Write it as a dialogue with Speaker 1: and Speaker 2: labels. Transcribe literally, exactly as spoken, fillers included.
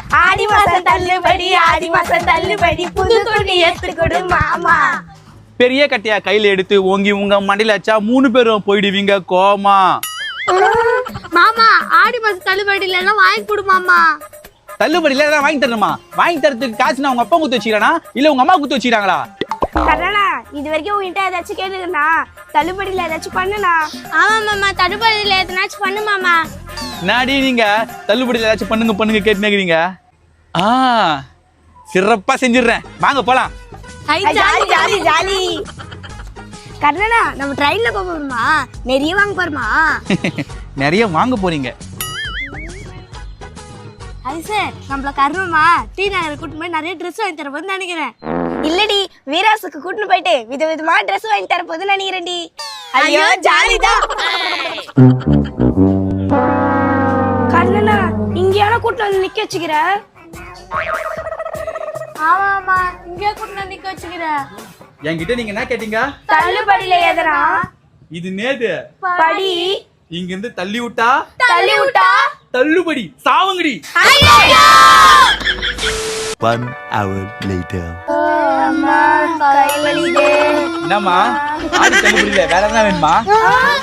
Speaker 1: ஆடி மாசம் தள்ளுபடி ஆடி மாசம் தள்ளுபடி புது துணி எடுத்து கொடு மாமா.
Speaker 2: பெரிய கட்டையா கையில எடுத்து ஓங்கி உங்க மண்டையில வச்சா மூணு பேரும் போயிடுவீங்க கோமா.
Speaker 1: மாமா ஆடி மாசம் தள்ளுபடி இல்லைன்னா வாங்கி கொடு மாமா.
Speaker 2: தள்ளுபடியில ஏதாவது வாங்கி தரணுமா? வாங்கி தரத்துக்கு காசு நான் உங்க அப்பா குத்து வச்சுக்கிறானா இல்ல உங்க அம்மா குத்து வச்சுக்கிறாங்களா?
Speaker 1: கண்ணா இது வரைக்கும் உங்ககிட்ட ஏதாச்சும் கேளுங்கண்ணா, தள்ளுபடியில ஏதாச்சும் பண்ணுண்ணா. ஆமா மாமா தள்ளுபடியில எதனாச்சும் பண்ணு மாமா.
Speaker 2: நாடி நீங்க தள்ளுபடியில ஏதாச்சும் பண்ணுங்க பண்ணுங்க கேட்டுனீங்க. ஆ சிறப்பா செஞ்சிடுறேன், வாங்க போலாம்.
Speaker 1: Jolly jolly jolly. கண்ணனா நம்ம ட்ரெயின்ல போக போறோமா? நிறைய வாங்க போறோமா?
Speaker 2: நிறைய வாங்க போறீங்க.
Speaker 1: அது சார் நம்மள கர்மமா டீ நகர் கூட்டிட்டு போய் நிறைய ட்ரெஸ் வாங்கி தர போதுன்னு நினைக்கிறேன். இல்லடி வீராசுக்கு கூட்டிட்டு போயிட்டு விதவிதமா ட்ரெஸ் வாங்கி தர போதுன்னு நினைக்கிறேன்டி. ஐயோ ஜாலிதான். கண்ணனா இங்கேயான கூட்டிட்டு வந்து நிக்க வச்சுக்கிற? ஆமா ஆமா இங்கே கூட்டிட்டு வந்து நிக்க வச்சுக்கிற.
Speaker 2: என்கிட்ட நீங்க என்ன கேட்டீங்க?
Speaker 1: தள்ளுபடியில எதனா
Speaker 2: இது நேது
Speaker 1: படி
Speaker 2: இங்க இருந்து தள்ளி விட்டா
Speaker 1: தள்ளி விட்டா
Speaker 2: தள்ளுபடி சாவுங்கடி.
Speaker 3: One hour later.
Speaker 1: அம்மா கை வலிக்குது.
Speaker 2: என்னம்மா ஆடி தள்ளுபடியில வேற என்ன வேணுமா?